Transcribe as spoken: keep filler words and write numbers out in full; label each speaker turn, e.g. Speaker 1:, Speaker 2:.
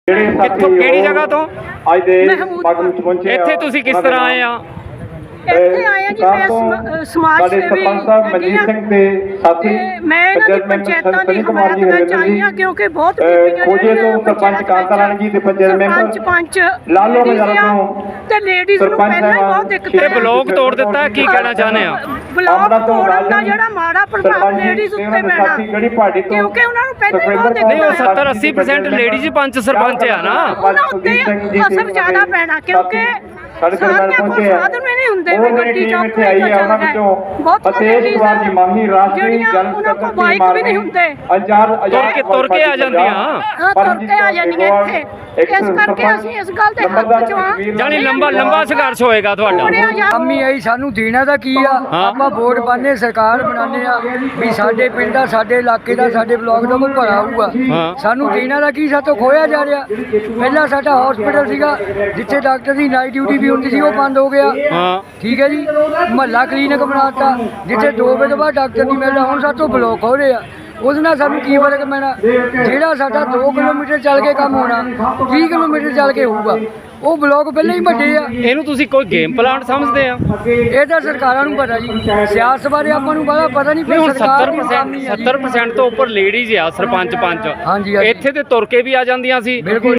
Speaker 1: ਕਿੱਥੋਂ ਕਿਹੜੀ ਜਗ੍ਹਾ ਤੋਂ?
Speaker 2: ਅੱਜ ਦੇ ਸਮਾਗਮ ਚ ਪਹੁੰਚੇ
Speaker 1: ਇੱਥੇ ਤੁਸੀਂ ਕਿਸ ਤਰ੍ਹਾਂ ਆਏ ਆ?
Speaker 3: ਇੱਥੇ ਆਏ ਆ ਜੀ, ਮੈਂ ਸਮਾਜ ਸੇਵੀ
Speaker 2: ਸਰਪੰਚ ਸਾਹਿਬ ਮਨਜੀਤ ਸਿੰਘ ਦੇ ਸਾਥੀ
Speaker 3: ਮੈਂ ਇਹਨਾਂ ਦੀ ਪੰਚਾਇਤਾਂ ਦੀ ਹਮਾਇਤ ਕਰਨਾ ਚਾਹੀ ਹਾਂ ਕਿਉਂਕਿ ਬਹੁਤ ਬੀਬੀਆਂ
Speaker 2: ਖੋਜੇ ਤੋਂ ਸਰਪੰਚ ਕਾਂਤਾ ਰਾਣੀ ਜੀ ਦੇ ਪੰਚਾਇਤ ਮੈਂਬਰ
Speaker 3: ਪੰਚ
Speaker 2: ਲਾਲੋ ਨਗਰ ਤੋਂ
Speaker 3: ਤੇ ਲੇਡੀਜ਼ ਨੂੰ ਪਹਿਲਾਂ ਹੀ ਬਹੁਤ ਦਿੱਕਤ
Speaker 1: ਤੇ ਬਲੌਕ ਤੋੜ ਦਿੱਤਾ, ਕੀ ਕਹਿਣਾ ਚਾਹੁੰਦੇ ਆ?
Speaker 3: ਬਲੌਕ ਤੋੜਨ ਦਾ ਜਿਹੜਾ ਮਾੜਾ ਪ੍ਰਭਾਵ ਲੇਡੀਜ਼ ਉੱਤੇ ਪੈਣਾ ਕਿਉਂਕਿ ਉਹਨਾਂ ਨੂੰ ਪਹਿਲਾਂ ਹੀ ਬਹੁਤ ਦਿੱਕਤ
Speaker 1: ਨਹੀਂ, ਉਹ ਸੱਤਰ ਅੱਸੀ ਪਰਸੈਂਟ ਲੇਡੀਜ਼ ਪੰਚ ਸਰਪੰਚ ਆ ਨਾ,
Speaker 3: ਉਹਨਾਂ ਉੱਤੇ ਅਸਰ ਜ਼ਿਆਦਾ ਪੈਣਾ ਕਿਉਂਕਿ ਸਾਰਿਆਂ ਕੋਲ ਸਾਧਨ ਵੀ ਨਹੀਂ ਹੁੰਦੇ ਵੀ ਗੱਡੀ ਚੌਂਕ ਤੇ ਆਈ ਆ ਉਹਨਾਂ ਵਿੱਚੋਂ ਬਹੁਤ
Speaker 2: ਅਤੇਸ਼ ਕੁਮਾਰ ਜੀ ਮਾਹੀ ਰਾਸ਼ਟਰੀ ਜਨ
Speaker 3: ਸਕੱਤਰ ਬਾਈਕ ਵੀ ਨਹੀਂ ਹੁੰਦੇ,
Speaker 2: ਅੰਚਾਰ
Speaker 1: ਤੁਰ ਕੇ ਤੁਰ ਕੇ ਆ ਜਾਂਦੀਆਂ,
Speaker 3: ਹਾਂ ਤੁਰ ਕੇ ਆ ਜਾਂਦੀਆਂ ਇੱਥੇ। ਇਸ ਕਰਕੇ ਅਸੀਂ ਇਸ ਗੱਲ ਦੇ ਹੱਕ ਚ ਆ,
Speaker 1: ਜਾਨੀ ਲੰਬਾ ਲੰਬਾ ਸੰਘਰਸ਼ ਹੋਏਗਾ ਤੁਹਾਡਾ।
Speaker 4: ਅੰਮੀ ਆਈ ਸਾਨੂੰ ਦੇਣਾ ਦਾ ਕੀ ਆ? ਆਪਾਂ ਵੋਟ ਪਾਣੇ, ਸਰਕਾਰ ਬਣਾਉਂਦੇ ਆ ਵੀ ਸਾਡੇ ਪਿੰਡ ਦਾ, ਸਾਡੇ ਇਲਾਕੇ ਦਾ, ਸਾਡੇ ਬਲਾਕ ਦਾ ਕੋਈ ਭਲਾ ਹੋਊਗਾ। ਸਾਨੂੰ ਦੇਣਾ ਦਾ ਕੀ? ਸਾਤੋਂ ਖੋਇਆ ਜਾ ਰਿਹਾ। ਪਹਿਲਾਂ ਸਾਡਾ ਹਸਪੀਟਲ ਸੀਗਾ ਜਿੱਥੇ ਡਾਕਟਰ ਦੀ ਨਾਈਟ ਡਿਊਟੀ ਵੀ ਹੁੰਦੀ ਸੀ, ਉਹ ਬੰਦ ਹੋ ਗਿਆ। ਠੀਕ ਹੈ ਜੀ। ਮਹੱਲਾ ਕਲੀਨਿਕ ਬਣਾਤਾ ਜਿੱਥੇ ਦੋ ਵਜੇ ਤੋਂ ਬਾਅਦ ਡਾਕਟਰ ਨਹੀਂ ਮਿਲਦਾ, ਹੁਣ ਸਾਤੋਂ ਬਲਾਕ ਹੋ ਰਹੇ ਆ। ਉਹਦੇ ਨਾਲ ਸਾਨੂੰ ਕੀ ਫਰਕ ਪੈਣਾ? ਜਿਹੜਾ ਸਾਡਾ ਦੋ ਕਿਲੋਮੀਟਰ ਚੱਲ ਕੇ ਕੰਮ ਹੋਣਾ ਵੀਹ ਕਿਲੋਮੀਟਰ ਚੱਲ ਕੇ ਹੋਊਗਾ, ਉਹ ਬਲਾਕ ਪਹਿਲਾਂ ਹੀ ਵੱਡੇ ਆ।
Speaker 1: ਇਹਨੂੰ ਤੁਸੀਂ ਕੋਈ ਗੇਮ ਪਲਾਨ ਸਮਝਦੇ ਆ?
Speaker 4: ਇਹ ਤਾਂ ਸਰਕਾਰਾਂ ਨੂੰ ਪਤਾ ਜੀ, ਸਿਆਸਤ ਬਾਰੇ ਆਪਾਂ ਨੂੰ ਬੜਾ ਪਤਾ ਨਹੀਂ।
Speaker 1: ਹੁਣ ਸੱਤਰ ਪਰਸੈਂਟ ਸੱਤਰ ਪਰਸੈਂਟ ਤੋਂ ਉੱਪਰ ਲੇਡੀਜ਼ ਆ ਸਰਪੰਚ ਪੰਚ,
Speaker 4: ਹਾਂਜੀ
Speaker 1: ਇੱਥੇ ਤੇ ਤੁਰ ਕੇ ਵੀ ਆ ਜਾਂਦੀਆਂ ਸੀ।
Speaker 4: ਬਿਲਕੁਲ।